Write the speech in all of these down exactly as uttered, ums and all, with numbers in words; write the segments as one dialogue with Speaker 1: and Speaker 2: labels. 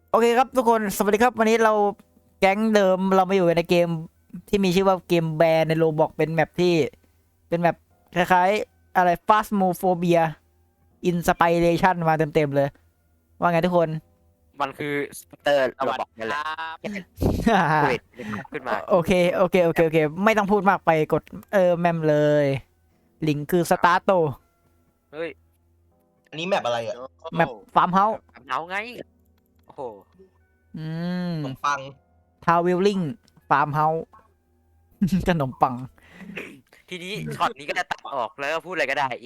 Speaker 1: โอเคครับทุกคนสวัสดีครับวันนี้เราแก๊งเดิมเรามาอยู่ในเกมที่มีชื่อว่าเกมแบร์ในโรบอกเป็นแมปที่เป็นแมปคล้ายๆอะไร Phasmophobia Inspiration มาเต็มๆเลยว่าไงทุกคน
Speaker 2: มันคือสเตอร์
Speaker 3: ส
Speaker 2: เรา
Speaker 3: วัส
Speaker 2: บอก
Speaker 3: ดี
Speaker 2: นั่น
Speaker 3: ค
Speaker 2: แห
Speaker 3: ร
Speaker 2: ละ
Speaker 3: ับ
Speaker 2: เวทขึ้นมา
Speaker 1: โอเคโอเคโอเคโอเคไม่ต้องพูดมากไปกดเออแมมเลยลิงก์คือสตาร์โต
Speaker 2: เฮ้ย
Speaker 4: อันนี้แมปอะไรอ่ะ
Speaker 1: แมปฟาร์มเฮาส์
Speaker 2: เอาไงโอ้โห
Speaker 1: อืม
Speaker 4: ขนมปัง
Speaker 1: ทาวเวลลิงฟาร์มเฮาส์ ขนมปัง
Speaker 2: ทีนี้ช็อตนี้ก็จะตัดออกแล้วก็พูดอะไรก็ได้เอ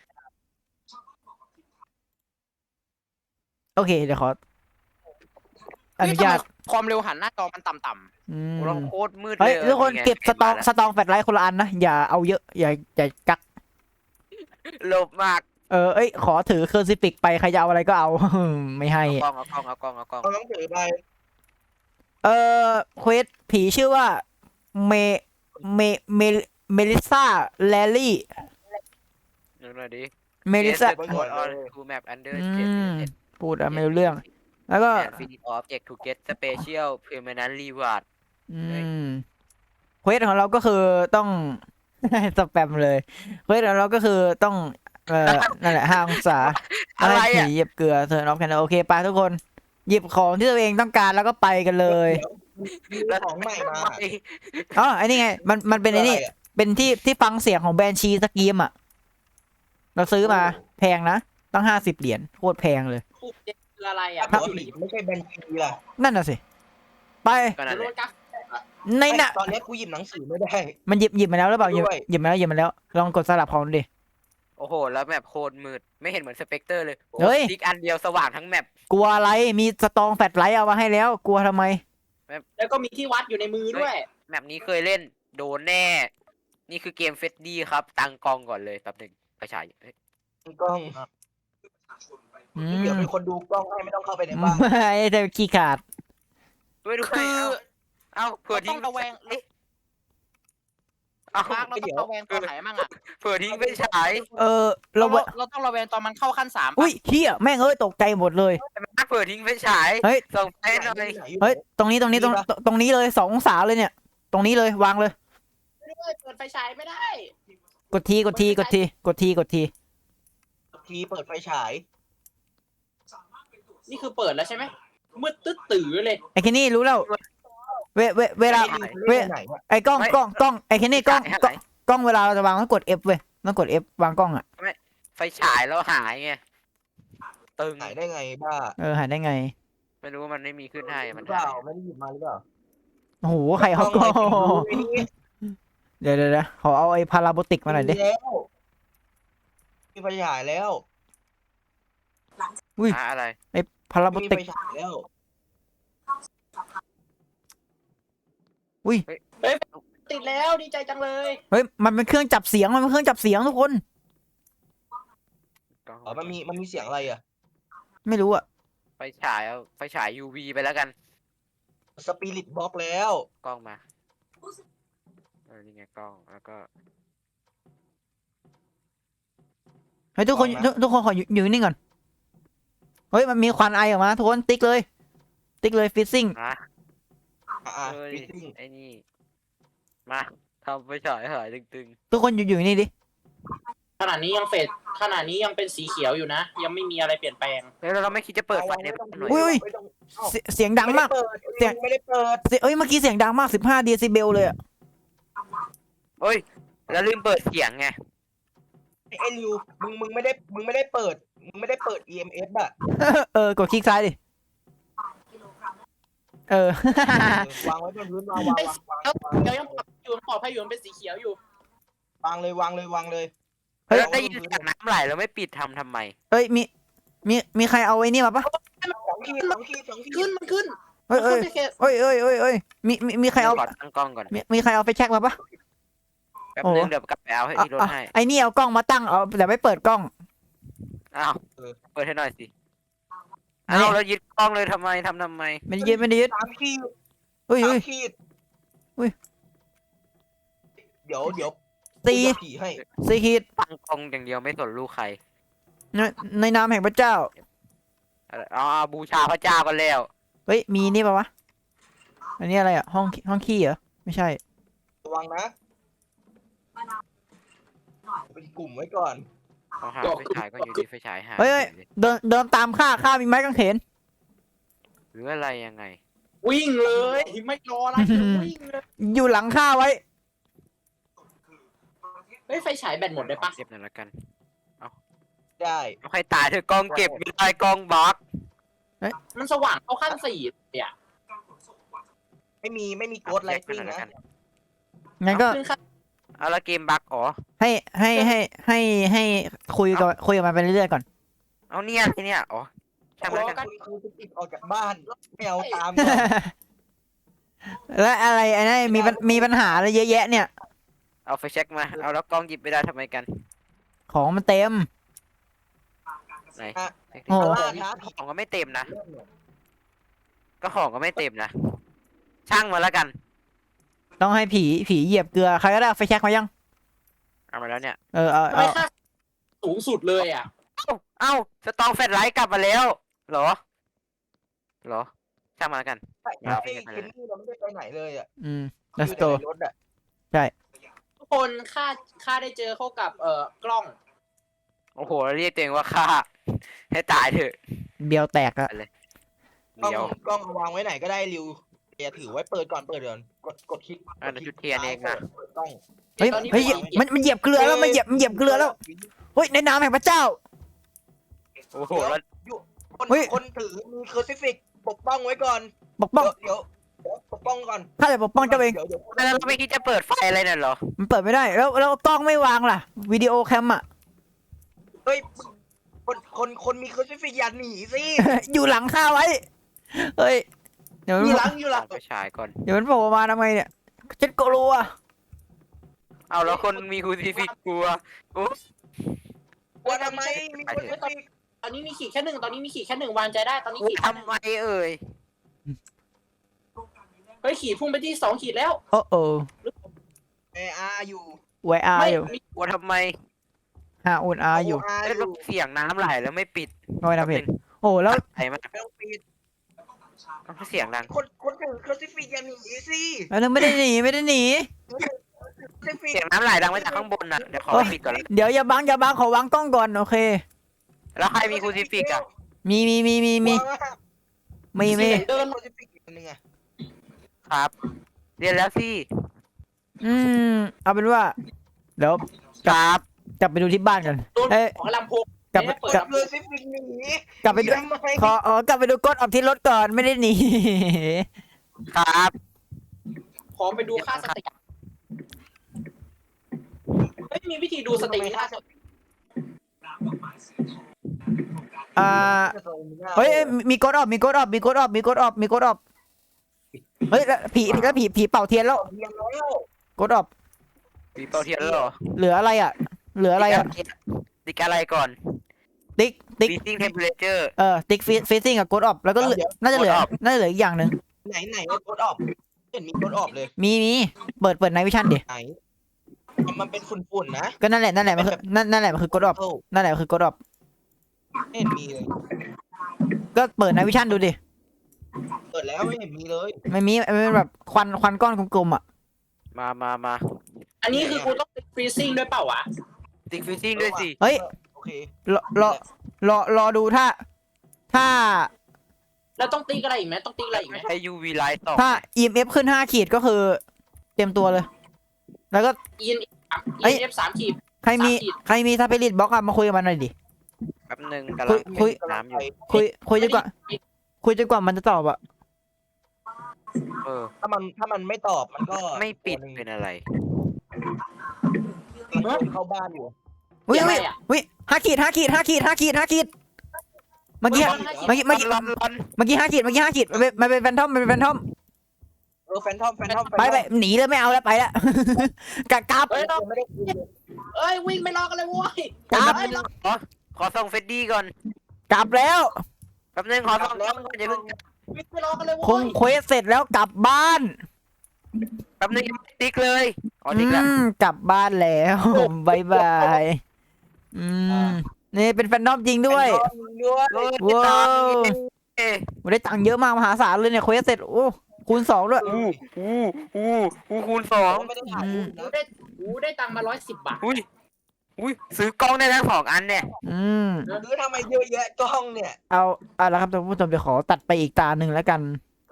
Speaker 1: โอเคเดี๋ยวขออนุญาต
Speaker 3: ความเร็วหันหน้าจอมันต่ำ
Speaker 1: อืม
Speaker 2: เราโคตรมืดเล
Speaker 1: เฮ้ย
Speaker 2: ย
Speaker 1: ทุกคน
Speaker 2: ไง
Speaker 1: เก็บสตอง
Speaker 2: มาแล้ว
Speaker 1: สตองแฟลชไลท์คนละอันนะอย่าเอาเยอะอย่าอย่ากัก
Speaker 2: โลภมาก
Speaker 1: เออเอ้ยขอถือเคอร์ซิฟิกไปใครจะเอาอะไรก็เอา ไม่ให้
Speaker 2: เอากล้องเอากล้องเอากล้องเอากล้อง
Speaker 4: เอาต้องถือไป
Speaker 1: เออเควสผีชื่อว่าเมเมเมเมลิซาแลลี่
Speaker 2: นึกหน่อยดิ
Speaker 1: เมลิซา
Speaker 2: Yes, the code on to map under
Speaker 1: อื
Speaker 2: state
Speaker 1: มพูดอะไม่รู้เรื่อง แล้วก็
Speaker 2: and finish object to get special permanent reward
Speaker 1: อืมเควสของเราก็คือต้อง สแปมเลยเควสของเราก็คือต้องเอ่อนั่นแหละห้าองศา
Speaker 2: อะไร
Speaker 1: ให้ผี
Speaker 2: อ่ะ
Speaker 1: เหยียบเกลือเธอน็อปแคนโอเคไปทุกคน หยิบของที่ตัวเองต้องการแล้วก็ไปกันเลย
Speaker 4: มีของใหม่มา
Speaker 1: อ๋อไอ้นี่ไงมันมันเป็นไอ้นี่
Speaker 4: ะรอะ
Speaker 1: เป็นที่ที่ฟังเสียงของแบรนด์ชีสกีมอ่ะ เราซื้อมาแพงนะต้องห้าสิบเหรียญโคตรแพงเลย
Speaker 3: ๆปุ๊บคืออะไรอ่ะ
Speaker 4: ถ้าผีไม่ใช่แบนชีล่ะ
Speaker 1: นั่นน่ะสิ ไป
Speaker 2: ก็นั่นแห
Speaker 3: โร
Speaker 2: ละ
Speaker 3: ดกัก
Speaker 1: ในน่ะ
Speaker 4: ตอนนี้กูหยิบหนังสือไม่ได้
Speaker 1: มันหยิบหยิบมาแล้วหรือเปล่าหยิบ
Speaker 4: ด้วย
Speaker 1: หยิบมาแล้วหยิบมาแล้ว ลองกดสลับของดูดิ
Speaker 2: โอ้โห แล้วแมปโคตรมืดไม่เห็นเหมือนสเปกเตอร์เลย
Speaker 1: เฮ้ย
Speaker 2: ติ๊กอันเดียวสว่างทั้งแมป
Speaker 1: กลัวอะไรมีสตองแฟลชไลท์เอามาให้แล้ว กลัวทำไม
Speaker 3: แล้วก็มีที่วัดอยู่ในมือด้วย
Speaker 2: แมปนี้เคยเล่นโดนแน่ นี่คือเกมเฟสดี้ครับ ตั้งกล้องก่อนเลยแป๊บหนึ่งไปฉายเฮ้ย
Speaker 4: กล้อง
Speaker 1: อื
Speaker 4: เดี๋ยว
Speaker 1: ม
Speaker 4: เป็นคนดูกล้องให้ไม่ต้องเข้าไปในบ้าน
Speaker 1: ไม่แต่ขี้ขาด
Speaker 2: ด้วยด้วย
Speaker 3: คือ
Speaker 2: เอาเอาเผื่อ
Speaker 3: เราต้
Speaker 2: ทิ้
Speaker 3: อง งระแวง
Speaker 2: เอ๊ะเอา
Speaker 3: มาร์กเราต้องระแวงตอนไหนมั่งอ่ะ
Speaker 2: เผื่อทิ้งไปฉาย
Speaker 1: เออ
Speaker 3: เรา
Speaker 1: เรา
Speaker 3: เราต้องระแวงตอนมันเข้าขั้นสาม
Speaker 1: อุ้ยเฮียแม่งเอ้ยตกใจหมดเลย
Speaker 2: มาเผื่อทิ้งไปฉาย
Speaker 1: เฮ้ย
Speaker 2: ส่งไปหน่อย
Speaker 1: เฮ้ย ตรงนี้ตรงนี้ตรงตรงนี้เลยสององศาเลยเนี่ย ตรงนี้เลยวางเลย
Speaker 3: ไม่ได้เปิดไฟฉายไม่ได้
Speaker 1: กดทีกดทีกดทีกดทีกดที
Speaker 4: ทีเปิดไฟฉาย
Speaker 3: นี่คือเปิดแล้วใช่ไหมมืดตึ๊ดตื่อเลย
Speaker 1: ไอ้แค่นี้รู้แล้ว เวเวเวลา เว้ย
Speaker 4: ไหนวะ
Speaker 1: ไอ้กล้องกล้องกล้องไอ้แค่นี้กล้อง
Speaker 2: ไม่
Speaker 1: กล้องกล้องเวลาเราจะวางต้องกด F เว้ยต้องกด F วางกล้องอ่ะ
Speaker 2: ไฟฉายแล้วหายไงตึง
Speaker 4: ไหนได้ไงบ้า
Speaker 1: เออหายได้ไง
Speaker 2: ไม่รู้ว่ามันไม่มีขึ้นให้มัน
Speaker 4: หรือเป
Speaker 2: หา
Speaker 4: ล่าย ไม่ได้หยิบมาหรือเปล่า
Speaker 1: โอ้โหใครเขาก็
Speaker 4: กล้องอะไรไม่รู้
Speaker 1: เดี๋ยวเดี๋ยวเดี๋ยวขอเอาไอ้พาราโบติกมาหน่อยดิ
Speaker 4: มีแล้วมีไฟฉายแล้ว
Speaker 2: หาอะไร
Speaker 1: พาราโบ
Speaker 4: มี
Speaker 1: ติ
Speaker 4: ไฟ
Speaker 1: ก
Speaker 4: ฉายแล้ว
Speaker 3: ติดแล้วดีใจจังเลย
Speaker 1: เฮ้ยมันเป็นเครื่องจับเสียงมันเป็นเครื่องจับเสียงทุกคน
Speaker 4: อ๋อมันมีมันมีเสียงอะไรอ่ะ
Speaker 1: ไม่รู้อ่ะ
Speaker 2: ไฟฉายเอาไฟฉาย ยู วี ไปแล้วกัน
Speaker 4: สปิริตบล็อกแล้ว
Speaker 2: กล้องมาเออนี่ไงกล้องแล้วก็
Speaker 1: เฮ้ยทุกคนทุกทุกคนขออยู่อยู่นิ่งก่อนเฮ้ยมันมีควันไอออกมาทุกคนติ๊กเลย ติ๊กเลยฟิซซิ่ง
Speaker 2: ฮะ
Speaker 4: อ่า
Speaker 2: เอ้ย
Speaker 4: ฟิตติ้ง
Speaker 2: ไอ้นี่มาทำไฟฉายหายตึง
Speaker 1: ทุกคนอยู่อยู่นี่ดิ
Speaker 3: ขนาดนี้ยังเฟดขนาดนี้ยังเป็นสีเขียวอยู่นะ ยังไม่มีอะไรเปลี่ยนแปลง
Speaker 2: ๆแล้วเราไม่คิดจะเปิดไฟในบ้านหน่อย
Speaker 1: อุ้ย
Speaker 4: ไม่ต้องเอ้า
Speaker 1: เสียเสียงดังมาก เสี
Speaker 4: เสี
Speaker 1: ย
Speaker 4: ย
Speaker 1: ง
Speaker 4: งไม่ได้เปิด
Speaker 1: เสียงเอ้ยเมื่อกี้เสียงดังมากสิบห้าเดซิเบลเลยอ่ะ
Speaker 2: เฮ้ยแล้วลืมเปิดเสียงไง
Speaker 4: ไอ้ริวมึงมึงไม่ได้มึงไม่ได้เปิดมึงไม่ได้เปิด อี เอ็ม เอส อ่ะ
Speaker 1: เออกดคลิกซ้ายดิเออ
Speaker 4: วางไว้บนพื้นวางวางวางวางวาง
Speaker 3: เดี๋ยวยังปลอดอยู่ปลอดภัยอยู่มันเป็นสีเขียวอยู่
Speaker 4: วางเลยวางเลยวางเลย
Speaker 1: เฮ้ย
Speaker 2: แล้วได้ยินเสียงน้ำไหลแล้วไม่ปิดทำทำไม
Speaker 1: เอ้ยมีมีมีใครเอาไอ้นี่มาปะ
Speaker 4: สองขีดสองขีดสองขี
Speaker 3: ขึ้
Speaker 4: ด
Speaker 3: นมันขึ้น
Speaker 1: เอ้ยเอ้ย
Speaker 3: มันขึ้นไปเขต
Speaker 1: เอ้ยเอ้ยเอ้ยเอ้ยมีมีมีใครเอา
Speaker 2: ขอตั้งกล้องก่อน
Speaker 1: มีมีใครเอาไปเช็คมาปะ
Speaker 2: แป๊บ
Speaker 1: โอ้
Speaker 2: นึงเดี๋ยวกลับไปเอาให้
Speaker 1: อ่ะ
Speaker 2: ที่รถ
Speaker 1: อ่ะ
Speaker 2: ให้
Speaker 1: ไอ้นี่เอากล้องมาตั้งเอาแต่ไม่เปิดกล้อง
Speaker 2: อ้าวเปิดให้หน่อยสิ
Speaker 1: อันนี้
Speaker 2: อ้าวแล้วยึดกล้องเลยทำไมทำทำไม
Speaker 1: ไม่ได้ยึดไม่ได้ยึด
Speaker 4: สามขีด
Speaker 1: เฮ้ย
Speaker 4: สา
Speaker 1: เฮ้
Speaker 4: ม
Speaker 1: ย
Speaker 4: ขีด
Speaker 1: อุ้ย
Speaker 4: เดี๋ยวเดี๋ยว
Speaker 1: สี่
Speaker 4: กูจะผีให้
Speaker 1: สี่ขีด
Speaker 2: ตั้งกล้องอย่างเดียวไม่สนลูกใคร
Speaker 1: ในในนามแห่งพระเจ้า
Speaker 2: อะไรอ๋อบูชาพระเจ้ากันแล้ว
Speaker 1: เฮ้ยมีนี่ปะวะอันนี้อะไรอ่ะห้องห้องขี้เหรอไม่ใช่
Speaker 4: ระวังนะเป็นกลุ่มไว้ก่อน
Speaker 2: เอาหาไฟฉายก็อยู่ดีไฟฉายหาย
Speaker 1: เฮ้ยเฮ้ย
Speaker 2: ฉล
Speaker 1: เดินเดินตามข้าข้ามีไม้กางเขน
Speaker 2: หรืออะไรยังไง
Speaker 3: วิ่งเลยไม่รออะไรวิ่งเลย
Speaker 1: อยู่หลังข้าไว้
Speaker 3: เฮ้ยไฟฉายแบตหมดได้ปะ
Speaker 2: เก็บหน่อยละกัน
Speaker 4: ได้
Speaker 2: เอาใครตายเธอกล้องเก็บไม่ได้กล้องบล็อก
Speaker 3: มันสว่างเข้าขั้นสี่เนี่ย
Speaker 4: ไม่มีไม่มีโกดไลติ้งนะ
Speaker 1: งั้นก็
Speaker 3: ขึ้นขั้น
Speaker 2: เอาละเกมบั๊กอ๋อ
Speaker 1: ให้ให้ให้ให้ให้คุยกับคุยกับมันไปเรื่อยๆก่อน
Speaker 2: เอาเนี่ยไอเนี่ยอ๋อช่างมันแล้วกัน
Speaker 4: คุณครูจะติดออกจากบ้านไม่เอาตามก่อน
Speaker 1: แล้วอะไรไอ้นั่นมีปัญมีปัญหาอะไรเยอะแยะเนี่ย
Speaker 2: เอาไฟเช็คมาเอาแล้วกล้องหยิบไม่ได้ทำไมกัน
Speaker 1: ของมันเต็ม
Speaker 2: ไหน
Speaker 1: โอ้โห
Speaker 4: ล่าท้าผี
Speaker 2: ของก็ไม่เต็มนะ ก็ของก็ไม่เต็มนะ ช่างมาแล้วกัน
Speaker 1: ต้องให้ผีผีเหยียบเกลือใครก็ได้เอาไฟแช็กมายัง
Speaker 2: เอามาแล้วเนี่ย
Speaker 1: เออเอา
Speaker 3: ทำไม
Speaker 1: เอา
Speaker 3: ค่าสูงสุดเลยอ่ะ
Speaker 2: เอ้าเอ้าสตองแฟลชไลท์กลับมาแล้ว เหรอ เหรอ ช่างมาแล้วกัน
Speaker 4: ไอ้
Speaker 2: เอาไป
Speaker 4: ไอ้
Speaker 2: เก็บไป
Speaker 4: เคนนี่เราไม่ได้ไปไหนเลยอ่ะ
Speaker 1: อืม
Speaker 4: อยู่
Speaker 1: let's
Speaker 4: แต่
Speaker 1: go
Speaker 4: ในรถอ่ะ
Speaker 3: ทุกคนค่าค่าได้เจอเข้ากับเอ่อกล้อง
Speaker 2: โอ้โหเรียกตัวเองว่าฆ่า ให้ตายเถอะ
Speaker 1: เบียวแตกอะ
Speaker 4: กล้อง
Speaker 2: เดี๋ยว
Speaker 4: กล้องเอาวางไว้ไหนก็ได้ริวอย่าถือไว้เปิดก่อนเปิดก่อนกดกดคลิก
Speaker 2: อ่ะเดี๋ยวจุดเทียนเองนะ
Speaker 4: ปิดกล้อง
Speaker 1: เฮ้ย
Speaker 3: ตอนนี้
Speaker 1: เฮ้ย
Speaker 3: ผม
Speaker 1: มันมันเหยียบเกลือแล้วมันเหยียบมันเหยียบเกลือแล้วเฮ้ยในน้ำแห่งพระเจ้า
Speaker 2: โอ้โหแล้ว
Speaker 4: คน
Speaker 1: เฮ้ย
Speaker 4: คนถือมีเคอร์ซิฟิกปกป้องไว้ก่อน
Speaker 1: ปกป้อง
Speaker 4: เดี๋ยวเดี๋ยวปกป้องก่อน
Speaker 1: ข้าจะปกป้องเจ้าเอง
Speaker 4: ดี๋ยวดี๋ยว
Speaker 2: แล้วเราไม่คิดจะเปิดไฟอะไรน่ะเหรอ
Speaker 1: มันเปิดไม่ได้แล้วแล้วกล้องไม่วางล่ะวิดีโอแคมอะ
Speaker 4: เฮ้ยคนคนคนมีเคอร์ซิฟิกอย่าหนีสิ
Speaker 1: อยู่หลังข้าไว้เฮ้ยเดี๋ยว
Speaker 4: อ
Speaker 1: มัน
Speaker 4: ยู่หลังอยู่หลัง
Speaker 2: เอาไปฉายก่อน
Speaker 1: เดี๋ยวมันโผล่มาทำไงเนี่ยฉันกลัว
Speaker 2: เอาแล้วคนมีคูซิฟิกกลัวอุ๊บ
Speaker 4: ว่าทำไมมีเคอร์ซิฟิก
Speaker 3: ตอนนี้มีขีดแค่หนึ่งตอนนี้มีขีดแค่หนึ่งวางใจได้ตอนนี้ขีด
Speaker 2: ทำไมเอ่ย
Speaker 3: เฮ้ยขีดพุ่งไปที่สองขีดแล้ว
Speaker 1: โอ้โอ้
Speaker 4: เออาร์อยู่
Speaker 1: ไวอา
Speaker 3: ไม่
Speaker 1: อยู่
Speaker 3: มี
Speaker 2: กลัวทำไม
Speaker 1: ฮาอุนอาอยู่
Speaker 4: โอาร์
Speaker 2: เอ้ย
Speaker 4: อ
Speaker 2: แล้ว
Speaker 4: ยู่
Speaker 2: เสียงน้ำไหลแล้วไม่ปิด
Speaker 1: ก็ไม่ทำผิดโอ้แล้ว
Speaker 2: ไหลมาก
Speaker 4: ไม่ต้องปิด
Speaker 2: เอาเสียงดัง
Speaker 4: คนคนถือเคอร์ซิฟิกอย่าหนีสิ
Speaker 1: แล้วนึงไม่ได้หนีไม่ได้หนี
Speaker 4: เคอร์ซิฟิก
Speaker 2: เสียงน้ำไหลดังมาจากข้างบนน่ะ เดี๋ยวขอปิดก่อนแล้ว
Speaker 1: เดี๋ยวอย่าบังอย่าบังขอวางกล้องก่อนโอเค
Speaker 2: แล้วใครมีคูซิฟิกอ่ะ
Speaker 1: มีมีมีมีมีมีมี
Speaker 3: เดิน
Speaker 4: เคอร์ซิฟิกอีกอันหนึงอะ
Speaker 2: ครับ เรียนแล้วสิ
Speaker 1: อืมเอาเป็นว่าเดี๋ยว
Speaker 2: ครับ
Speaker 1: กลับไปดูที่บ้านกัน
Speaker 3: โดน
Speaker 1: เอ้ย
Speaker 3: ของลำโพง
Speaker 1: กลับไป
Speaker 3: ไม่ได้เปิด
Speaker 1: กลับ
Speaker 4: เคอร์ซิฟิกหนี
Speaker 1: กลับไปดู
Speaker 4: ทำไม
Speaker 1: ขออ๋อกลับไปดูกดออกที่รถก่อนไม่ได้หนี
Speaker 2: ครับ
Speaker 3: ขอไปดูค่าสติไม่มีวิธีดูสติค่าสติ
Speaker 1: อ่าเฮ้ยเอ้ยมีกดออกมีกดออกมีกดออกมีกดออกมีกดออกเฮ้ยแล้วผีแล้วผีผีเป่าเทียนแล้ว
Speaker 4: เรียนแล้ว
Speaker 1: กดออก
Speaker 2: มีเปาเทียนแล้วเหรอ
Speaker 1: เหลืออะไรอ่ะ เหลืออะไรอ่ะ
Speaker 2: ติ๊กอะไรก่อน
Speaker 1: ติ๊กติ๊ก
Speaker 2: freezing temperature
Speaker 1: เออติ๊กฟีซิ่งกับกดออกแล้วก็เหลือน่าจะเหลือ
Speaker 2: Code Off
Speaker 1: น่าจะเหลืออีกอย่างหนึ่ง
Speaker 4: ไหนไหนไอ้โคดออกเห็นมีโคดออกเลย
Speaker 1: มีมีเปิดเปิดในวิชั่นดิ
Speaker 4: ไหนมันเป็นฝุ่นๆนะ
Speaker 1: ก็นั่นแหละนั่นแหละมันคือนั่นนั่นแหละมันคือกดออก
Speaker 4: เอ้า
Speaker 1: นั่นแหละคือกดออก
Speaker 4: ไม่เห็นมีเลย
Speaker 1: ก็เปิดในวิชั่นดูดิ
Speaker 4: เปิดแล้วไม่เห็นมีเลย
Speaker 1: ไม่มีมันเป็นแบบควันควันก้อนกลมๆอ่ะ
Speaker 2: มามามา
Speaker 3: อันนี้คือกูต้องฟรีซิ่งด้วยเปล่าวะ
Speaker 2: ติ๊ก freezing ด้วยสิ
Speaker 1: เฮ้ย
Speaker 4: โอเค
Speaker 1: รอรอรอรอดูถ้า ถ้า
Speaker 3: แล้วต้องติ๊กอะไรอีกไหมต้องติ๊กอะไรอีกไหม
Speaker 2: ใช้ ยู วี light ส่อง
Speaker 1: ถ้า อี เอ็ม เอฟ ขึ้นห้าขีดก็คือ เตรียมตัวเลย แล้วก็
Speaker 3: อีเอ็น
Speaker 1: เอ้ย
Speaker 3: เอฟสามขีด
Speaker 1: ใครมี
Speaker 3: สามขีด
Speaker 1: ใครมีสปิริตบล็อกอะมาคุยกับมันหน่อยดิ
Speaker 2: แป๊บหนึงกำลัง
Speaker 1: คุย
Speaker 2: น้ำอยู่
Speaker 1: คุยคุยจนกว่า คุยจนกว่ามันจะตอบอะ
Speaker 2: เออ
Speaker 4: ถ้ามันถ้ามันไม่ตอบมันก็
Speaker 2: ไม่ปิด
Speaker 4: ตัวหนึ่ง
Speaker 2: เป็นอะไร
Speaker 4: มันเข้าบ้านอยู่
Speaker 1: อุ้ย
Speaker 3: ยังไง
Speaker 1: อุ้ย
Speaker 3: อะ
Speaker 1: อุ้ยห้าขีดห้าขีดห้าขีดห้าขีดห้าขีดเมื่อกี้
Speaker 3: เฮ้ยห้าขีด
Speaker 1: เมื่อกี้เมื่อกี้
Speaker 2: ร้อนร้อน
Speaker 1: เมื่อกี้ห้าขีดเมื่อกี้ห้าขีดมันเป็นมันเป็นแฟนทอมมันเป็นแฟนทอม
Speaker 4: เออแฟนทอมแฟนทอม
Speaker 1: ไปไปหนีเลยไม่เอาแล้วไปแล้วกลับกลับ
Speaker 3: เฮ้ยเรา
Speaker 4: ไม่ได้คุยเลย
Speaker 3: เอ้ยวิ่งไม่รอกันเลยเว้ย
Speaker 1: กลับ
Speaker 3: เอ้ยเรา
Speaker 2: ขอขอส่องเฟดดี้ก่อน
Speaker 1: กลับแล้ว
Speaker 2: แป๊บหนึงขอส่องกล้องก่อนอย่าเพิ่ง
Speaker 3: วิ่งไม่รอกันเลย
Speaker 1: ค
Speaker 3: เว้
Speaker 1: ง
Speaker 3: ย
Speaker 1: เควสเสร็จแล้วกลับบ้าน
Speaker 2: แป๊บหนึงยังไม่ติ๊กเลยอ๋อ
Speaker 1: อื
Speaker 2: ติ๊กแล้ว
Speaker 1: มกลับบ้านแล้วบายบายอืมนี่เป็นแฟนทอมจริงด้วย
Speaker 4: แฟนทอมด้วย
Speaker 2: เฮ้ย
Speaker 1: ว้าว
Speaker 2: ตาม
Speaker 1: ผมได้ตังค์เยอะมากมหาศาลเลยเนี่ยเควสเสร็จโอ้คูณสองด้วย
Speaker 2: อู้อู้อู้อู้คูณสอง
Speaker 4: ไม่ได้ถ่ายรูป
Speaker 3: กู
Speaker 4: นะ
Speaker 3: ได้กูได้ตังค์มาร้อยสิบบาท
Speaker 2: อุ้ยอุ้ยซื้อกล้องได้ทั้งสองอันเนี่ย
Speaker 1: อืม
Speaker 4: หรือทำไมเยอะแยะกล้องเนี่ย
Speaker 1: เอาเอาละครับท่านผู้ชมเดี๋ยวขอตัดไปอีกตาหนึ่งแล้วกัน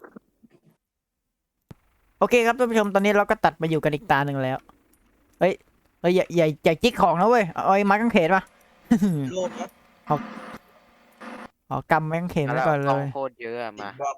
Speaker 1: โอเคครับท่านผู้ชมตอนนี้เราก็ตัดมาอยู่กันอีกตาหนึ่งแล้วเฮ้ยเฮ้ยอย่าอย่าอย่าจิกของนะเว้ยเอาไอ้ไม้กางเขนมา
Speaker 4: โลกนะ
Speaker 1: อ๋อกำไม้กางเขนไว้ก่อนเล
Speaker 2: กล้อง
Speaker 1: ย
Speaker 2: โคตรเยอะอะมา
Speaker 4: บอก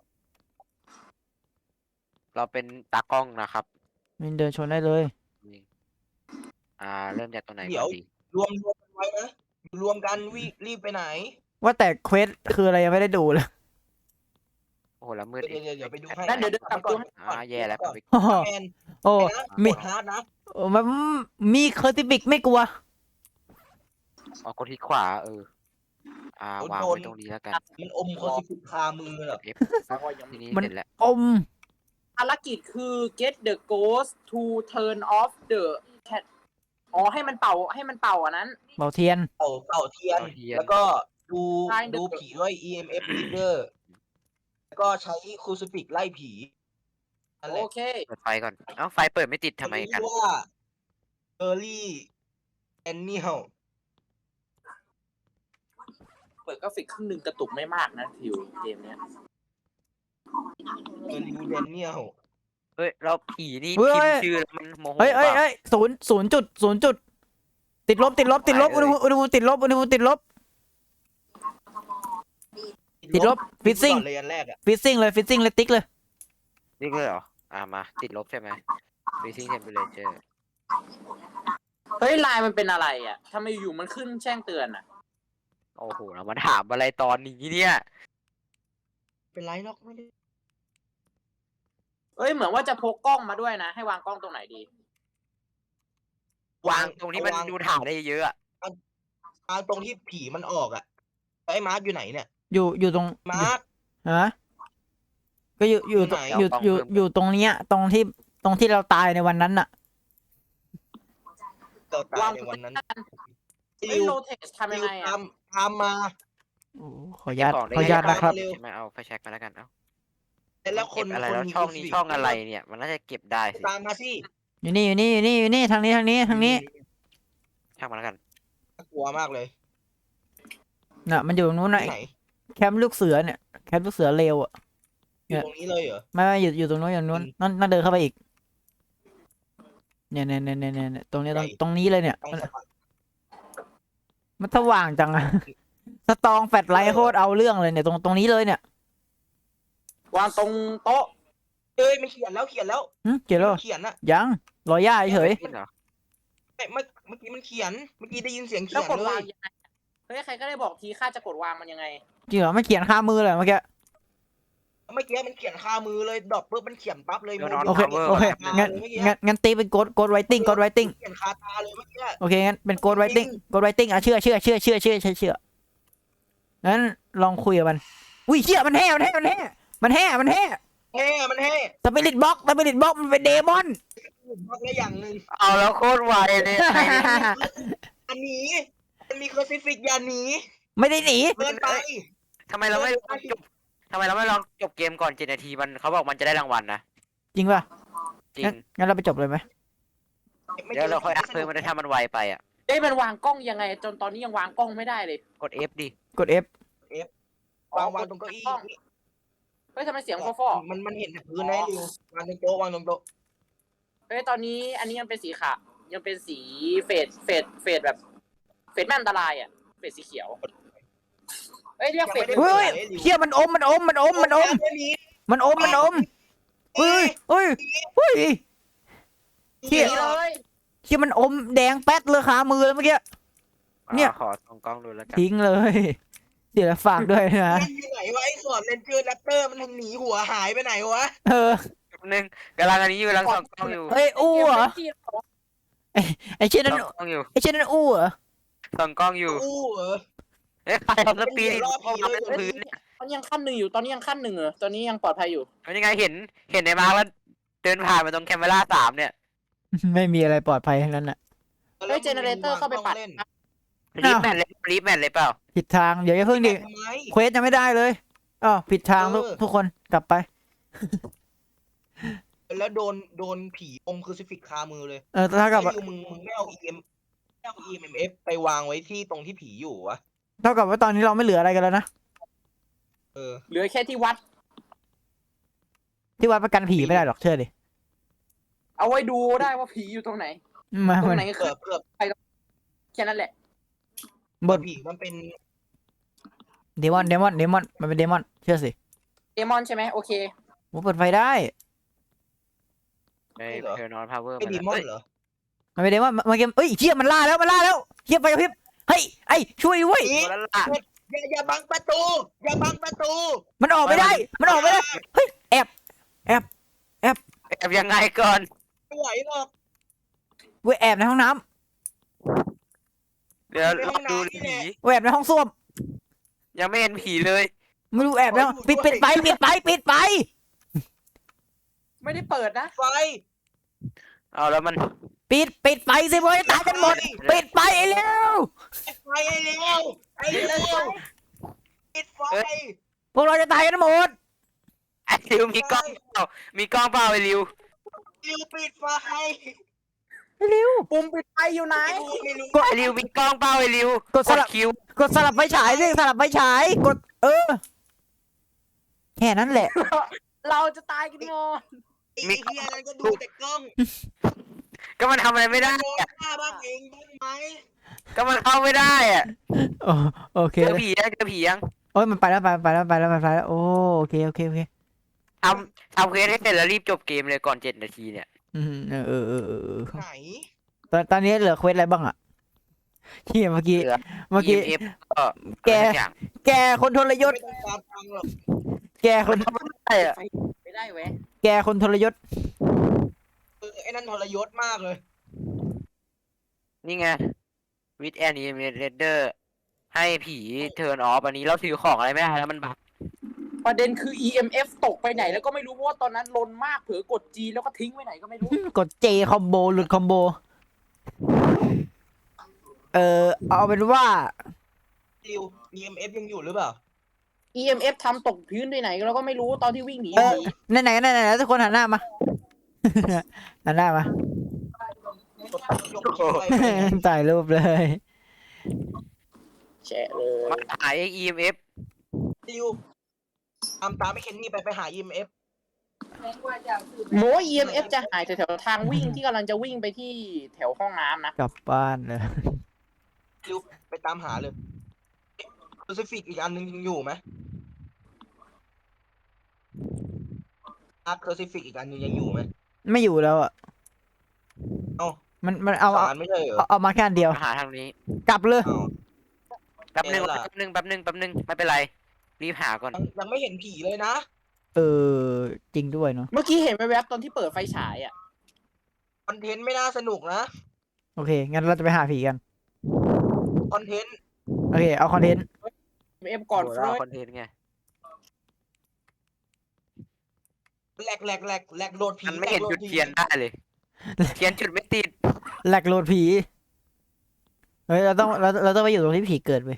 Speaker 2: เราเป็นตากล้องนะครับ
Speaker 1: มินเดินชนได้เลย
Speaker 2: อ่า เริ่มจากตรงไหนก่อนดี
Speaker 4: รวมรวมกันไว้นะรวมกันวิรีบไปไหน
Speaker 1: ว่าแต่เควสคืออะไรยังไม่ได้ดูเลย
Speaker 2: โอ้โหแล้วมืด
Speaker 4: เดี๋ยวเดี๋ยวเดี๋ยวไปดูให้
Speaker 3: นั่นเดี๋ยวเดี๋ยวกลับตัวให้
Speaker 2: อ่าแย่แล้วผมไป
Speaker 1: โอ้โห
Speaker 4: แมน
Speaker 1: โอ้
Speaker 4: นะ
Speaker 1: มี
Speaker 4: กดฮาร์ดนะ
Speaker 1: โอ้มันมีเคอร์ติบิกไม่กลัว
Speaker 2: อ๋อกดที่ขวาเออ อ่าวางไว้ตรงนี้แล้วกัน
Speaker 4: มันอมคอสิบคามือเหรอ
Speaker 2: F ทีนี้
Speaker 1: มัน
Speaker 2: เสร็จแล้ว
Speaker 1: อม
Speaker 3: ภารกิจคือ get the ghost to turn off the cat อ๋อให้มันเป่าให้มันเป่าอันนั้น
Speaker 1: เบาเทียน
Speaker 4: เป่าเป่าเทียน แล้วก็ดูดูผีด้วย อี เอ็ม เอฟ reader แล้วก็ใช้ครูซิฟิกไล่ผีนั่นแห
Speaker 3: โอ
Speaker 4: ละ
Speaker 3: เค
Speaker 2: เปิดไฟก่อน เอ้าไฟเปิดไม่ติดทำไมกัน
Speaker 4: ชื่อว่าเออร์ลี่แอนนิล
Speaker 3: เปิดกราฟิกครึ่งหนึ่งกระตุกไม่มากนะทิวเกมเนี้ย
Speaker 4: เออร์ลี่แอนนิล
Speaker 2: เฮ้ยเราผีนี่
Speaker 1: เฮ้ย
Speaker 2: พิมพ์ชื่อแล้วมันโมโห
Speaker 1: เฮ้ยเฮ้ย
Speaker 2: เปล่า
Speaker 1: เฮ้ยศูนย์ศูนย์จุดศูนย์จุดติดลบติดลบติดลบ
Speaker 2: ไป
Speaker 1: อุณ
Speaker 2: เล
Speaker 1: ห
Speaker 2: ย
Speaker 1: ภูมิอุณหภูมิติดลบอุณหภูมิติดลบ ติดลบฟิซซิ่ง
Speaker 4: เลยอันแรกอ่ะ
Speaker 1: ฟิซซิ่งเลยฟิซซิ่งเลยติ๊กเลย
Speaker 2: นี่เลยเหรอ อ่ามาติดลบใช่ไหม Freezing Temperature
Speaker 3: เฮ้ยไลน์มันเป็นอะไรอ่ะทำไมอยู่มันขึ้นแจ้งเตือนอ่ะ
Speaker 2: โอ้โหเรามาถามอะไรตอนนี้เนี่ย
Speaker 4: เป็นไรหรอกไม่ได้
Speaker 3: เอ้ยเหมือนว่าจะพกกล้องมาด้วยนะ ให้วางกล้องตรงไหนดี
Speaker 2: วางตรงที่มันดูถ่ายได้เยอะอะ
Speaker 4: วางตรงที่ผีมันออกอ่ะไอ้มาร์คอยู่ไหนเนี่ย
Speaker 1: อยู่อยู่ตรง
Speaker 4: มาร์ค
Speaker 1: ฮะก็อยู่อยู่ตรง
Speaker 4: ไหน
Speaker 1: อยู่อยู่อยู่ตรงเนี้ย ตรงที่ตรงที่เราตายในวันนั้นน่ะ
Speaker 4: เราตายในวันนั้น
Speaker 3: เฮ้ยโรเทสทำยังไง
Speaker 4: ตา
Speaker 3: อ่ะ
Speaker 4: มตามมา
Speaker 1: โอ้ขออนุญาต
Speaker 2: เก็บของได้
Speaker 1: ขออนุญาต
Speaker 2: เย
Speaker 1: นะครับ
Speaker 4: เร็ว
Speaker 2: ใช่ไหมเอาไฟแช็กมาแล้วกัน เอ้า
Speaker 4: แล้วคน
Speaker 2: เก็บอะไร
Speaker 4: คน
Speaker 2: แล้ว
Speaker 4: มี
Speaker 2: ช่อง
Speaker 4: ครู
Speaker 2: นี้
Speaker 4: ซิฟิก
Speaker 2: ช่องอะไรเนี่ย มันน่าจะเก็บได้สิ
Speaker 4: ตามมาสิ
Speaker 1: อยู่นี่อยู่นี่อยู่นี่อยู่นี่ทางนี้ทางนี้ทางนี้
Speaker 2: ช่างมาแล้วกัน
Speaker 4: น่ากลัวมากเลย
Speaker 1: น่ะมันอยู่ตรงนู้นน่ะ
Speaker 4: ที่ไหน
Speaker 1: แคมป์ลูกเสือเนี่ยแคมป์ลูกเสือเลวอ่ะ
Speaker 4: อยู่ตรงนี้เลยเหรอ
Speaker 1: ไม่ไม่อยู่อยู่ตรงนู้นอยู่ตรงนู้นนั่นนั่นเดินเข้าไปอีกเนี่ยเนี่ยเนี่ยเนี่ยเนี่ยตรงนี้ตรงตรงนี้เลยเนี่ย
Speaker 4: ต้อง
Speaker 1: มัน
Speaker 4: สะพาน
Speaker 1: มันสว่างจังอะ สตองแฟลชไลท์โคตรเอาเรื่องเลยเนี่ยตรงตรงนี้เลยเนี่ยว
Speaker 3: างตรงโต๊ะ
Speaker 4: เอ้ยมันเขียนแล้วเขียนแล้ว
Speaker 1: หึเกี่ยวแล้ว
Speaker 4: เขียนอะ
Speaker 1: ยังรอย่าเฉย
Speaker 2: จริงเหรอ
Speaker 4: เอ้ยเมื่อเมื่อกี้มันเขียน เมื่อกี้ได้ยินเสียงเขี
Speaker 3: แล้ว
Speaker 4: ยน
Speaker 3: กด
Speaker 4: เล
Speaker 3: วาง
Speaker 4: ย
Speaker 3: ยังไงเฮ้ยใครก็ได้บอกทีค่าจะกดวางมันยังไง
Speaker 1: จริงเหรอไม่เขียนข้ามือเลยเมื่อกี้
Speaker 4: เมื่อกี้มันเขียนคามือเลยดรอปปุ๊บมันเขียนปั๊บเลย
Speaker 2: เดี๋ยวนอน
Speaker 1: โอเค
Speaker 2: Power
Speaker 1: โอเค
Speaker 2: ก่อน
Speaker 1: งั้นงั้นงั้นตีเป็นโกดโกดไวติ้งโกดไวติ้ง
Speaker 4: เขียนคาตาเลยเมื่อกี้
Speaker 1: โอเคงั้นเป็นโกดไวติ้งโกดไวติ้งอ่ะเชื่อเชื่อเชื่อเชื่อเชื่อเชื่อเชื่องั้นลองคุยกับมันอุ้ยเชื่อมันแห่มันแห่มันแห่มันแห่มันแห่
Speaker 4: แห่มันแห่
Speaker 1: สปิริตบ็อกสปิริตบ็อกมันเป็นเดมอน
Speaker 4: บอกได้อย่างหนึ่ง
Speaker 2: เอาแล้วโคตรไวเลย
Speaker 4: อันนี้มันมีครูซิฟิกอย่าหนี
Speaker 1: ไม่ได้หนี
Speaker 4: เดินไป
Speaker 2: ทำไมเราไม่ลองจบทำไมเราไม่ลองจบเกมก่อนเจ็ดนาทีมันเขาบอกมันจะได้รางวัลนะ
Speaker 1: จริงป่ะ
Speaker 2: จริง
Speaker 1: งั้นงั้นเราไปจบเลยไหม
Speaker 2: เดี๋ยวเราค่อยอัพเพิ่มมันได้ถ้ามันไวไปอ่ะ
Speaker 3: เอ้ยมันวางกล้องยังไง จนตอนนี้ยังวางกล้องไม่ได้เลย
Speaker 2: กด F ดิ
Speaker 1: กด F
Speaker 4: วางวางตรงเก้าอี้
Speaker 3: เฮ้ยทำไมเสียงฟอฟอ
Speaker 4: มันมันเห็นแต่พื้นนะดิววางตรงโต๊ะวางตรงโต๊ะ
Speaker 3: เฮ้ยตอนนี้อันนี้ยังเป็นสีขาวยังเป็นสีเฟดเฟดเฟดแบบ เฟดแม่อันตรายอ่ะเฟดสีเขียวเฮ้ยเรียกเฟด
Speaker 1: เฮ้ยเชี่ยมันอมมันอมมันอมมันอม
Speaker 4: ไม่มี
Speaker 1: มันอมมันอมเฮ้ยเฮ้ยเฮ้ย เหี้ย
Speaker 3: เลย
Speaker 1: เชี่ยมันอมแดงแป๊ดเลยขามือแล้วเมื่อกี้ เนี่ย
Speaker 2: อ่าขอส่องกล้องดูแล้วกัน
Speaker 1: ทิ้งเลยเดี๋ยวฝากด้วยนะ
Speaker 4: มันอยู่ไหนวะไอ้สอนเลนเจอร์แรปเตอร์มันหนีหัวหายไปไหนวะ
Speaker 1: เออ
Speaker 2: แป๊บนึงกำลังอันนี้อยู่กำลังส่องกล้องอยู่
Speaker 1: เฮ้ยอู้เหรอไอ้เช่นนั้น
Speaker 2: ส่องกล้องอยู่
Speaker 1: ไอ้เช่นนั้นอู้เหรอ
Speaker 2: ส่องกล้องอยู่
Speaker 4: อู้เหรอ
Speaker 2: เอ้ยใครเอาสปีด
Speaker 4: เป็นเดี๋ยวรอบ
Speaker 2: เข้า
Speaker 4: ผี
Speaker 2: มา
Speaker 4: เลย
Speaker 2: เป็นพื้นเนี่ย
Speaker 3: ตอนนี้ยังขั้นหนึ่งอยู่ตอนนี้ยังขั้นหนึ่งเหรอตอนนี้ยังปลอดภัยอยู่
Speaker 2: เป็นยังไงเห็นเห็นในมาร์กแล้วเดินผ่านมาตรงแคมเมราสามเนี่ย
Speaker 1: ไม่มีอะไรปลอดภัยทั้งนั้นน่ะ
Speaker 3: เฮ้ยเจเนเรเตอร์เข้าไปปัด
Speaker 4: เล่น
Speaker 2: รีบแมนเลยรีบแมนเลยเปล่า
Speaker 1: ผิดทางเดี๋ยวอย่าเพิ่งดิ
Speaker 4: ทำไม
Speaker 1: เควสยังไม่ได้เลยอ้าวผิดทางทุก
Speaker 4: เออ
Speaker 1: ทุกคนกลับไป
Speaker 4: แล้วโดนโดนผีอมครูซิฟิกคามือเลย
Speaker 1: เออถ้ากับ
Speaker 4: ไอ้ยูมึงมึงไม่เอา อี เอ็ม ไม่เอา อี เอ็ม เอฟ ไปวางไว้ที่ตรงที่ผีอยู่วะ
Speaker 1: เท่ากับว่าตอนนี้เราไม่เหลืออะไรกันแล้วนะ
Speaker 4: เออ
Speaker 3: เหลือแค่ที่วัด
Speaker 1: ที่วัดประกันผีไม่ได้หรอกเชื่อดิ
Speaker 3: เอาไว้ดูได้ว่าผีอยู่ตรงไหน
Speaker 1: มา
Speaker 3: ตรง
Speaker 1: มัน
Speaker 3: ไหน
Speaker 4: เกือบเกือบ
Speaker 3: แค่นั้นแหละ
Speaker 1: บท
Speaker 4: ผีมันเป็น
Speaker 1: เดมอนเดมอนเดมอนมันเป็นเดมอนเชื่อสิ
Speaker 3: เดมอนใช่ไหมโอเค
Speaker 1: ผมเปิดไฟได้
Speaker 2: ไอ้เทอร์นอนพาวเวอร์
Speaker 4: ไอ้ดีมอนเหรอ
Speaker 1: มันเป็นเดมอนมันเกมเอ้ยเชี่ยมันล่าแล้วมันล่าแล้วเชี่ยไฟกระพริบเฮ้ยไอ้ช่วยด้วย
Speaker 4: ผี
Speaker 2: โดนแล้วล่ะ
Speaker 4: อย่าอย่าบังประตู อย่าบังประตู
Speaker 1: มันออกไม่ได้ มันออกไม่ได้เฮ้ยแอบ
Speaker 2: แอบยังไงก่อน
Speaker 4: ไม่ไหวหรอก
Speaker 1: เว้ยแอบในห้องน้
Speaker 2: เดี๋ยว
Speaker 4: ในห้
Speaker 2: เรา
Speaker 4: อง
Speaker 2: ดู
Speaker 4: น้ำนี่แห
Speaker 2: ผี
Speaker 4: ละ
Speaker 1: ำเว้ยแอบในห้องส้วม
Speaker 2: ยังไม่เห็นผีเลย
Speaker 1: ไม่รู้แอบในห้อง
Speaker 4: ขออยู่
Speaker 1: ปิด
Speaker 4: ด้วย
Speaker 1: ปิดไฟปิดไฟปิดไฟ
Speaker 3: ไม่ได้เปิดนะ
Speaker 4: ไฟ
Speaker 2: เอาแล้วมัน
Speaker 1: ปิดปิดไฟสิเว้ยตายกันหมด ปิดไฟไอ้เร็ว
Speaker 4: ไฟไอ้เร็วไอ้เร็วปิดไฟ
Speaker 1: พวกเราจะตายกันหมด
Speaker 2: ไอ้ริวมีกล้องเปล่ามีกล้องเปล่าไอ้ริว
Speaker 4: ริวปิดไฟ
Speaker 1: เร็ว
Speaker 3: ปุ่มปิดไฟอยู่ไหน
Speaker 4: ไม่รู้ไม่รู้
Speaker 1: กด
Speaker 2: ไอ้ริวมีกล้องเปล่าไอ้ริว
Speaker 1: กดสลับ
Speaker 2: คิว
Speaker 1: กดสลับไฟฉายสิสลับไฟฉายกด เออแค่นั้นแหละ
Speaker 3: เราจะตายกันงอน
Speaker 4: ไอ้เฮียนั้นก็ดูแต่กล้อง
Speaker 2: ก็มันทำอะไรไม่ได้
Speaker 4: โดน
Speaker 2: อะ
Speaker 4: ฆ่าบ้างเองบ้างไหม
Speaker 2: ก็มันเข้าไม่ได้อะ
Speaker 1: โอโอเค
Speaker 2: เจอผียังเจอผียัง
Speaker 1: โอ้ยมันไปแล้วไปไปแล้วไปแล้วไปแล้วโอ้โอเคโอเคโอเค
Speaker 2: ทำทำเควสให้เสร็จแล้วรีบจบเกมเลยก่อนเจ็ดนาทีเนี่ย
Speaker 1: อืมเออเออเออเออเออ
Speaker 4: ไหน
Speaker 1: ตอนตอนนี้เหลือเควสอะไรบ้างอ่ะที่เมื่อกี้
Speaker 2: เหลือ
Speaker 1: เมื่อกี้
Speaker 2: อี เอ็ม เอฟ ก็
Speaker 1: แก
Speaker 2: อะไรสัอย่าง
Speaker 1: แกคนทรยศ
Speaker 4: ไม่ต้องการตังค์หรอก
Speaker 1: แกคน
Speaker 2: ใช่อะ
Speaker 3: ไม่ได้เว้ย
Speaker 1: แกคนทรยศ
Speaker 4: เออไอ้นั่นทรยศมากเลย
Speaker 2: นี่ไงวิดแอนนีเมเรเดอร์ให้ผีเทิร์นออฟอันนี้เราถือของอะไรไม่ได้แล้วมันบัก
Speaker 3: ประเด็นคือ อี เอ็ม เอฟ ตกไปไหนแล้วก็ไม่รู้เพราะว่าตอนนั้นลนมากเผลอกด G แล้วก็ทิ้งไว้ไหนก็ไม่รู้
Speaker 1: กดเจคอมโบหลุดคอมโบเออเอาเป็นว่า
Speaker 4: ริว อี เอ็ม เอฟ ยังอยู่หรือเปล่า
Speaker 3: อี เอ็ม เอฟ ทำตกพื้นไปไหนแล้วก็ไม่รู้ตอนที่วิ่งหนี
Speaker 1: เออ
Speaker 3: หนี
Speaker 1: ไหนไหนไหนไหนทุกคนหันหน้ามา หันหน้ามา ถ่ายรูปเลย
Speaker 3: แฉะเลย
Speaker 2: มาหาย อี เอ็ม เอฟ
Speaker 4: ริวตามตามไอ้เคนนี่ไปไปหา อี เอ็ม เอฟ
Speaker 3: โม อี เอ็ม เอฟ จะหายแถวๆทางวิ่งที่กำลังจะวิ่งไปที่แถวห้องน้ำนะ
Speaker 1: กลับบ้านเลย
Speaker 4: ริวไปตามหาเลยครูซิฟิกอีกอันหนึงยังอยู่ไหมอาร์ครูซิฟิกอีกอันหนึงยังอยู่ไหม
Speaker 1: ไม่อยู่แล้วอ่ะ
Speaker 4: เอ้า
Speaker 1: มันมันเอา
Speaker 4: สา
Speaker 1: เอา
Speaker 4: รไม่ใช่เหรอ
Speaker 1: เอาเอามาแค่อันเดียว
Speaker 2: มาหาทางนี้
Speaker 1: กลับเลย
Speaker 4: เอ้า
Speaker 2: แป๊บหนึ่ง
Speaker 4: เออล่ะ
Speaker 2: แป๊บหนึ่งแป๊บหนึ่งแป๊บหนึ่งไม่เป็นไร รีบหาก่อน
Speaker 4: ยังยังไม่เห็นผีเลยนะ
Speaker 1: เออจริงด้วยเนาะ
Speaker 3: เมื่อกี้เห็นแวบๆตอนที่เปิดไฟฉายอ่ะ
Speaker 4: คอนเทนต์ไม่น่าสนุกนะ
Speaker 1: โอเคงั้นเราจะไปหาผีกัน
Speaker 4: คอนเทนต์
Speaker 1: โอเคเอาคอนเทนต์
Speaker 3: อี เอ็ม เอฟ ก่อน
Speaker 2: โห
Speaker 3: เฟร
Speaker 2: เรา
Speaker 3: ด
Speaker 2: คอนเทนต์ไง
Speaker 4: แหลกแหลกแหลกแหลกโหลดผี
Speaker 2: มันไม่เห็น
Speaker 4: แหลกโหล
Speaker 2: จุดเทียนได้เลย เทียนจุดไม่ติด
Speaker 1: แหลกโหลดผีเฮ้ยเราต้องเราเราต้องไปอยู่ตรงที่ผีเกิดไป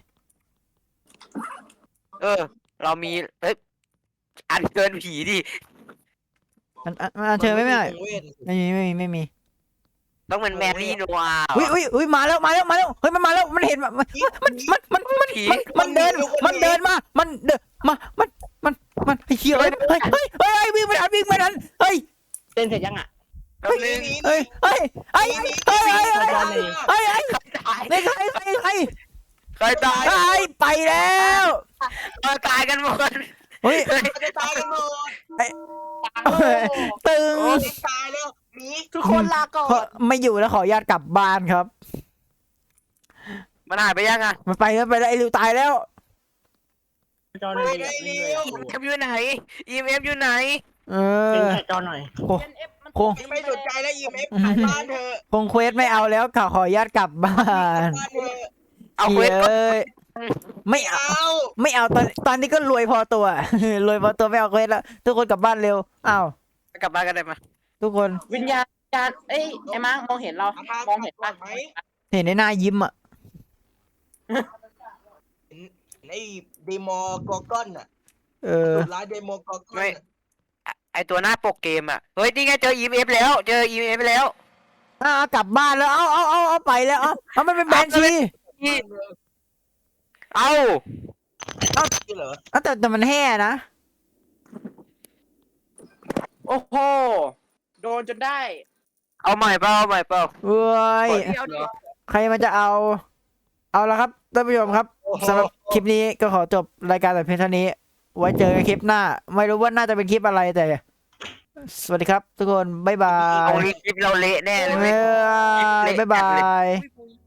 Speaker 2: เออ เรามีเอ้ยอันเกินผีดิ
Speaker 1: อันอันอันเชิญไม่ไม่ได้
Speaker 4: เวท
Speaker 1: ไม่มีไม่มีไม่มี
Speaker 2: ต้องเป็นแมรี่โนอาห์
Speaker 1: อุ้ยอุ้ยอุ้ยมาแล้วมาแล้วมาแล้วเฮ้ยมันมาแล้วมันเห็นมันมันมันมันมัน
Speaker 2: ผี
Speaker 1: มันเดินมันเดินมา มันเดินมามันมันมันไอ้เหี้ยเฮ้ยเฮ้ยเฮ้ยเฮ้ยวิ่งไม่ทันวิ่งไม่ทันเฮ้ย
Speaker 3: เต้นเสร็จยังอ่ะ
Speaker 2: แป๊บนึง
Speaker 1: เฮ้ยเฮ้ยเฮ้ยเฮ้ยเฮ้ยเฮ้ยเฮ้ยเฮ้ย
Speaker 2: ตาย
Speaker 1: ใครใครใคร
Speaker 2: ใครตาย
Speaker 1: ใครไปแล้ว
Speaker 2: เราตายกันหมด
Speaker 1: เฮ้ย
Speaker 4: มันจะตายกันหมด
Speaker 1: ตึง
Speaker 4: โอ้ยตายแล้วหนี
Speaker 3: ทุกคนลาก่อ
Speaker 1: ขอน ไม่อยู่แล้วขออนุญาตกลับบ้านครับ
Speaker 2: มันหายไปยังอ่ะ
Speaker 1: มันไปแล้วไปแล้วไอ้ริวตายแล้ว
Speaker 3: จอ
Speaker 4: ไม่ได้เร็ว
Speaker 2: อี เอ็ม เอฟ อยู่ไหน อี เอ็ม เอฟ อยู่ไหน
Speaker 1: เอ
Speaker 3: เป็น
Speaker 1: อ
Speaker 3: แค่จอหน่อย
Speaker 1: โค
Speaker 3: อี เอ็ม เอฟ มัน
Speaker 1: โค
Speaker 4: ไม่สนใจแล้ว อี เอ็ม เอฟกลับบ้านเถอะ
Speaker 1: คงเควสไม่เอาแล้วขอขออนุญาตกลับบ้าน
Speaker 4: บ้านเถอะ
Speaker 2: เอาเควส
Speaker 1: เอ้ยไม่เอา
Speaker 4: เอา
Speaker 1: ไม่เอาตอนตอนนี้ก็รวยพอตัว รวยพอตัวไม่เอาเควสแล้วทุกคนกลับบ้านเร็วอ้าว
Speaker 2: กลับบ้านกันได้ไหม
Speaker 1: ทุกคน
Speaker 3: วิญญาณวิญญาณเอ้ยไอ้มาร์คมองเห็นเรา
Speaker 4: เอาทาง
Speaker 3: มองเห็น
Speaker 4: กลั
Speaker 3: ปะ
Speaker 4: บไหม
Speaker 1: เห็นในหน้ายิ้มอ่ะ
Speaker 4: ไอ้เดมอร์กอร์กอนน่ะ
Speaker 1: เออ
Speaker 4: ดุร้ายเดโมกอร์กอน
Speaker 2: ไม่ ไอตัวหน้าปกเกมอ่ะ เฮ้ย นี่ไงเจอ อี เอ็ม เอฟ แล้ว เจอ อี เอ็ม เอฟ แล้ว
Speaker 1: อ่ากลับบ้านแล้ว เอาเอาเอาเอาไปแล้ว เอาเอามันเป็นแบนชี
Speaker 2: นี่เอา
Speaker 4: นี่เหรอ
Speaker 1: เอาแต่แต่มันแห่นะ
Speaker 3: โอ้โหโดนจนได้
Speaker 2: เอาใหม่เปล่าเอาใหม่เปล่า
Speaker 1: เว้ย
Speaker 3: เดี๋ยวเดี๋ยว
Speaker 1: ใครมันจะเอา เอาละครับท่านผู้ชมครับสำหรับคลิปนี้ก็ขอจบรายการแต่เพียงเท่านี้ ไว้เจอกันคลิปหน้า ไม่รู้ว่าน่าจะเป็นคลิปอะไรแต่ สวัสดีครับทุกคน บ๊ายบา
Speaker 2: เอา
Speaker 1: ย
Speaker 2: คลิปเราเละแน่เลย
Speaker 1: เอ
Speaker 2: เว้ย
Speaker 1: อบ๊ายบาย
Speaker 3: อุ้ย